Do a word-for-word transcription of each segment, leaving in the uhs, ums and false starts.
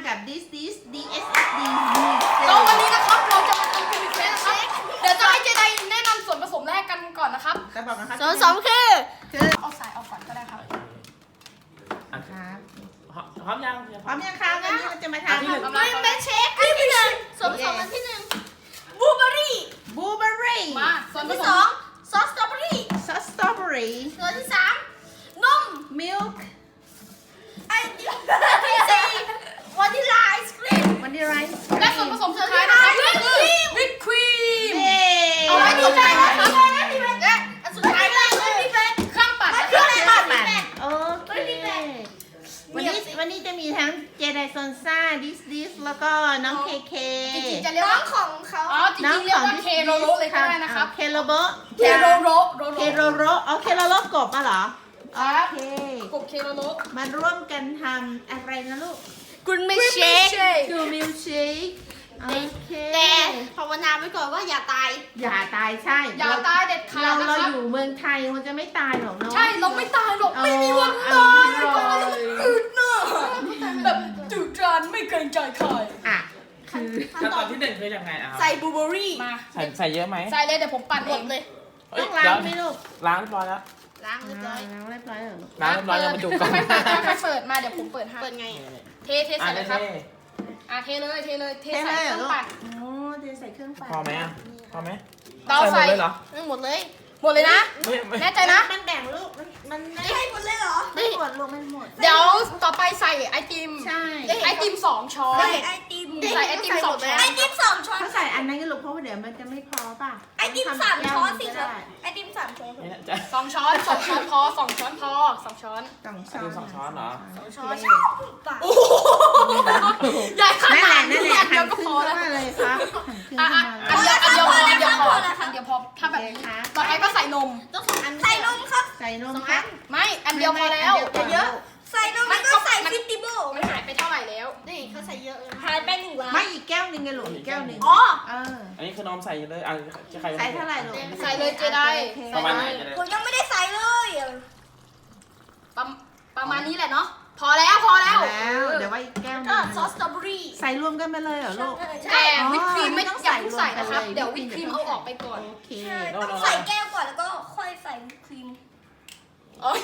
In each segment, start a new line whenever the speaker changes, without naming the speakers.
กับ this this d s s d
ก็วันนี้นะครับเราจะมาทำคูมิเฟสนะครับเดี๋ยวจะให้เจไดแนะนำส่วนผสมแรกกันก่อนนะครับ
จะบอกนะครับ
ส่วนผสมคือ
คือ
เอาสายออกก่อนก็ได้ครับ
ครับ
พร้อมยัง
พร้อมยังคะวันนี้เราจะมาทำ
กำลัง
เบนเชคอันที่หนึ่งส่วนผสมอันที่หนึ่งบลูเบอร์รี่
บลูเบอร์รี่
มาส่
ส่
ว
วน น
ผ
ที่
ส
สอ
ม
งซอสสตรอเบอรี่
ซอสสตรอเบอรี่
ส่วนที่สามนม
มิลค์
ไอติมที่สี่วานิลลาไอศครีม
วันนี้ไรซ์
และส่วนผสมสุดท้ายนะครับวิปครีม
เย้
เอาไว้ดีใจนะครับ
และอันสุดท้ายเลยคือพี่เบน
เครื่องปั่นนะ
เค
ค
รื่
รั
อบ งปั่น
โอเควันนี้วันนี้จะมีทั้งเจไดซอนซ่าดิสดิสแล้วก็น้องเคเค
จริงๆจะเรียก
น้อ
ว่าง
ของเขา
อ๋อจริงๆเรียกว่าเคโรโรเลยก็ได้นะครับ
เคโรโบ
เคโรโรโรโร
เคโรโรอ๋อเคโรโรกบมาเหรอ
ค
โอ
รับ
เค
กบเคโรโร
มาร่วมกันทำอะไรนะลูก
กุนไม่เชค
ดูมิลค์เชคโอเค
แต่ภาวนาไว้ก่อนว่าอย่าตาย
อย่าตายใช่
อย่าตายเด็ดขา
เรา
ดนะ
เรา
ครับ
อยู่เมืองไทยมันจะไม่ตายหรอกเนาะ
ใช่เราไม่ตายหรอกไม่มีวันตาย
อร่อย
อืดเนอะแบบจุจานไม่เกรงใจใคร
อ่ะคือ
ขั้นตอนที่หนึ่งคือยังไงอ่ะ
ใส่บลูเบอร์รี่
มา
ใส่ใส่เยอะไหม
ใส่เลยเดี๋ยวผมปั่น
ห
เอ
ม
ง
ดเลย
เอ้
ต้
ย
องล้างไหมลูก
ล้างเรียบร้อยแล้ว
ล้างเรียบร้อย
ล้างเรียบร้อยเหรอลูก
ล้างเรียบร้อยยังมาดูก่อน
ค่อยๆค่อยๆเปิดมาเดี๋ยวผมเปิดให้
เปิดไง
เทเท
อ่ะ
ใส่เล
ได้
ยครับ
เท่
อ่ะเทเลยเทเลยเท
เท
ใส่
เลย
เค
เหรอ
รื่อง
ลูก
ปั่น
โอ้เทใส่เครื่องปั่น
พอไหมอ่ะพอไหม
เรา
ใส่
ใส่
หมดเลยเหรอ
ไม่หมดเลย
หมดเลยนะ
ไม่ไม่
แน่ใจนะ
มันแบ่งลูกมันมันไม่
ให้หมดเลยเหรอ
ไม่หมดลูกไม่หมด
เดี๋ยวต่อไปใส่ไอติม
ใช่
ไอติมสองช้อน
ใส่ไอติม
ใส่ไอติมสองช้อน
ไอติมสองช้อน
เขาใส่อันนั้นก็ลูกเพราะว่าเดี๋ยวมันจะไม่พอป่ะ
ไอติมสามช้อนสิ
ทำ
ครับ
แก้ว
ไอติมสามช้อน
ไม่แน่ใจ
สองช้อนสองช้อนพอสองช้อนพอสองช้อน
สอง
อันนี้สองช้อนเหรอ
สอง
ช้
ช้
อ
อน น
โอ้โหใหญ่ข
นั่นแห
นา
ละ
ด
นั่
นี้
นแหละ
อันเดียวก็
หั่นค
พ
รึ่
อง แล้ว
มาเลยครับหั่นครึ่ง
อ่ะ
ขึ้น
อ่ะ
มาเลย
อันเดียวอันเดียวพออันเดียวพออันเดียวพอถ้าแบบ
โอเคครับ
ต่อไปก็ใส่นม
ต้องสองอันใส่นมครับ
ใส่นม
สอง
ค
อั
รับ
น
ไม่อันเดียวพอแล้ว
นเดียวก่น
เยอะ
ใส่นมแล้วก็ใส่ฟิตติโบ
มันหายไปเท่าไหร่แล้ว
นี่เขาใส่เยอะเลยหายไปหนึ่งล้าน
ไม่อีกแก้วหนึ่งไงลูกอีกแก้วหนึ่ง
อ๋อ
เออ
อันนี้คือนมใส่เลยอ่ะจะใคร
ใส่เท่าไหร่ลูก
ใส่เลยเจได
ประมาณไหนจะได้
ผมยังไม่ได้ใส่เลย
ประประมาณนี้แหละเนาะพอแล้วพอแล้ว
แล้วเดี๋ยวว่าอีกแก้วหนึ
ก็
ง
ซอสสตรอเบอรี่
ใส่รวมกันไปเลยเหรอลูก
แต่วิปครีมไม่
อ๋อ
อย่าเพิ่งใส่
ต้
นะ
อง
ค
ใส่
รับ
รวมกันเลย
เดี๋ยววิปครีมเอาออกไปก่อน
โอเค
ใช่ต้องใส่แก้วก่อนแล้วก็ค่อยใส่วิปครีม
อ๋อ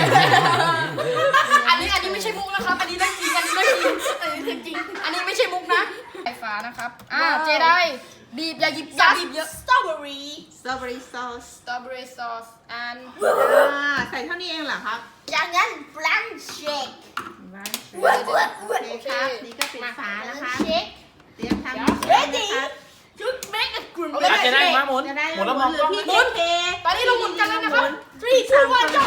อันนี้อันนี้ไม่ใช่มุกนะครับ อันนี้เรื่องจริงอันนี้เรื่องจริงอันนี้เรื่องจริงอันนี้ไม่ใช่มุกนะไฟฟ้านะครับอ่าเจไดบีบอย่าหยิบอย่าบีบเยอะ
สตรอเบอรี่
สตรอเบอรี่ซอส
สตรอเบอรี่ซอส and
อ่าใส่เท่านี้เองเหรอครับ
จากนั้นบลันเชค
โอเคครับนี่ก็เป็นฝานะคะ
เชค
เตรียมทำ
Ready
นะครับ
to make a good
อ่ะจะได้มาหมุน
จะได้
หมุนแล้วมอง
ห
กล้อง
พี่
หมุน
เค
ตอนนี้เราหมุนกันแล้วนะครับ
three two one go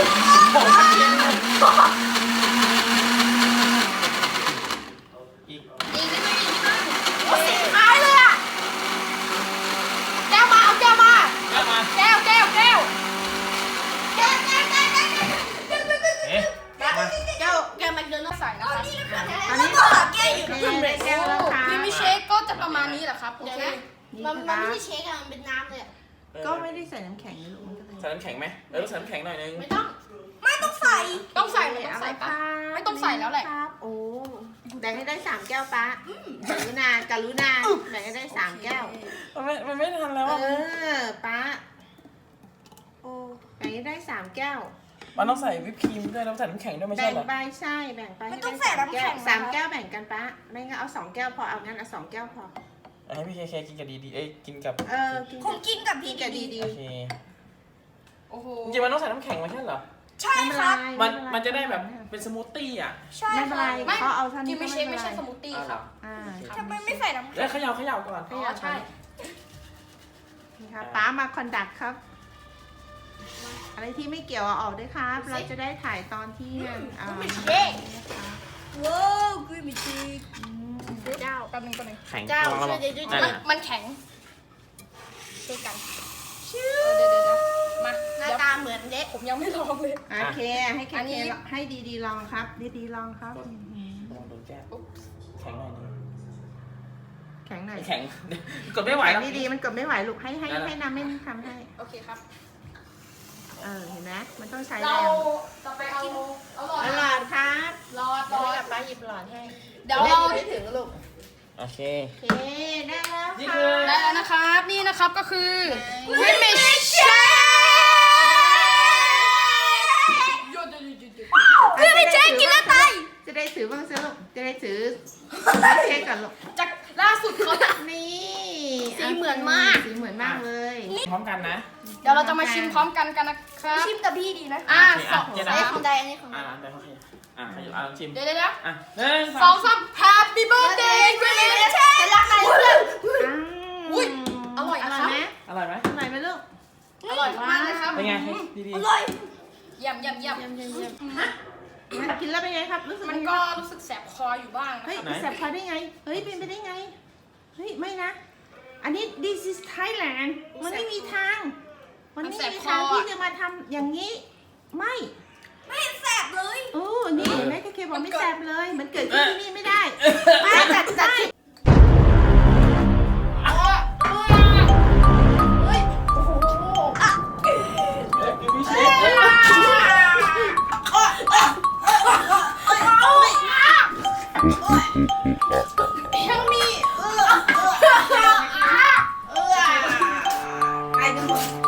อีก
อีกนิดนึงอีกนิดนึง
โอ้สีท้ายเลยอ่ะ
แก้วมาเอาแก้วมา
เอามา
แก้วแก้วแก้ว
แก้วแก้วแก้วแก้วแก้ว
เอ๊ะมา
แก้วแก้วแมคโดนัลด์
ใส่นะครับ
แล้วก็แก้วอยู่
โอ
ที่
เค
เบร
ได้
ก
แก้วแล้วค่ะ
ครีมมี่เชคก็จะประมาณนี้แหละครับโอ
เดี๋ยว
เค
นะ
นี่
มัน
คือ
มัน
บ้า
ไม่ใช่เชคอะมันเป็นน้ำเลยอะ
ก็ไม่ได้ใส่น้ำแข็งนะลูกมันก็เลย
ใส่น้ำแข็งไหมเออใส่น้ำแข็งหน่อยนึง
ไม่ต้อง
ไม่ต้องใส่
ต้องใส่มันต้องใส่ปะ ไม่ต้องใส่แล้วแหละ
ครับโอ้แบ่งให้ได้สามแก้วปะกรุณากรุณาแบ่งให้ได้สามแก้ว
มันไม่มันไม่ทันแล้ว
เอ
อ่ะ
อป้าโอ้แบ่งให้ได้สามแก้ว
มันต้องใส่วิปครีมด้วยแล้วใส่น้ำแข็งด้วยไม่ใช่
แบ่ง
เหรอ
ไปใช่แบ่งไปให้ได้สามแก้วสามแก้วแบ่งกันป้าไม่งั้นเอาสองแก้วพอเอางั้นเอาสองแก้วพอ
ให้พี่เคเคกินกับดีดีเอ้ยกินกับ
เออกิน
ผมกินกับ
กิ
พี่
นกับดีดี
โอเค
โอ้โห
จริงๆมันต้องใส่น้ำแข็งไม่ใช่เหรอ
ใช่ครับ
มันมันจะได้แบบเป็นสมูทตี้อ่ะ
ใช่
ไม่เป็น
ค
ไร
รับ
เขาเอาเท่า
ครี
นี้
มมี่เชคไม่ใช่สมูทตี้ครับ
อ่า
ทำไมไม่ใส่น้ำ
แล้วเขย่าเขย่าก่อน
อ๋อใช่
นี่ครับป้ามาคอนดักครับ อะไรที่ไม่เกี่ยวเอาออกด้วยครับ เราจะได้ถ่ายตอนที่อ่า
ไม่เชคว้าวกรีนมิชิก
อืม
เจ้า
แป๊บนึงแป๊บนึง
แข็ง
เจ้า
ลองลอง
ช่วยด้วย
นั่น
มัน
น่ะ
มันแข็งช่วยกัน
ชื่อ
เดี๋ยวเดี๋ยวเดี๋ยวมา
หน้า
เดี๋ยว
ตาเหมือนเด็ก
ผมยังไม่ลองเลย
โอเคให้เค
อัน
เค
นี้
ให้ดีดีๆลองครับ ดีดีๆลองครับอื้อหือ
ลองโดนแก้วแข็งหน่อยนึง
แข็งหน่อย
แข็งกดไม่ไหว
แข็
แล้ว
งดีๆมันกดไม่ไหวลูกให้ให้
ได้ละ
ให้น้ำไม่ทำให้
โอเคครับ
เออเห็นไหมมันต้องใช้แร
เรา
ง
ต่อไปเอาเอาหลอด
อร่อยครับ
หลอดหลอด
ไป
ป้าหยิบหลอดให้
เดี๋ยวเรา
ไม่ถึงลูก
โอเค
โอเคได้แล้ว
นี่
ค่ะ
คือ
ได้แล้วนะครับ นี่นะครับก็คือวิมิช
คือไม่เช็คกินแล้วตายจะได้ถือบ้างสิลูกจะได้ถือไม่เช็คก่อนลูก
จากล่าสุดเขาจะ
นี่
สีเหมือนมาก
สีเหมือนมากเลย
พร้อมกันนะ
เดี๋ยวเราจะมาชิมพร้อมกันกันนะครับ
ชิมกับพี่ดีนะ
อ่ะ
โอเค
ส
อ่ะ
อง
เจ๊
อัน
ดา
นี้ของใดอันนี้ของ
อ่าได้โอเคอ่ะขยับอ่ะลองชิม
เดี๋ยวเดี๋ยวเดี๋ยว
อ่ะหนึ่ง
ส
ส
อ
อง ง
สาม Happy Birthday วิมิช
ฉันรักนายเพื่อน
อุ๊ยอร่อย
อ
นะ
ร่
ค
อ
รั
ย
บ
ไหม
อร่อยไหม
อร่อยไหมลูก
อร่อยมากเลยครับ
เป็นไงดีดี
อร่อย
เยี่ยมเยี่ยมเยี่ยม
เยี่ยมเยี่ยมเยี่ยมมันกินแล้วเป็นไงครับรู้สึก
มัน
ยังไง
ก็
ครับ
รู้สึกแสบคออยู่บ้างนะ
เฮ้ย
ครับ
แสบคอได้ไงเฮ้ยเป็นไปได้ไงเฮ้ยไม่นะ อันนี้ this is Thailand มันไม่มีทาง มันไม่มีทางที่จะมาทำอย่างนี้ ไม่
ไม่เห็นแสบเลย
โอ้นี่แม่เคบอกไม่แสบเลย มันเกิดขึ้นที่นี่ไม่ได้ไม่แต่แต่
เฮ้ย โอ้โหอ่ะ
เอ้ยคือพี่เชฟเอ้ย
ยังมีเออเออเออไอ้ทุกคน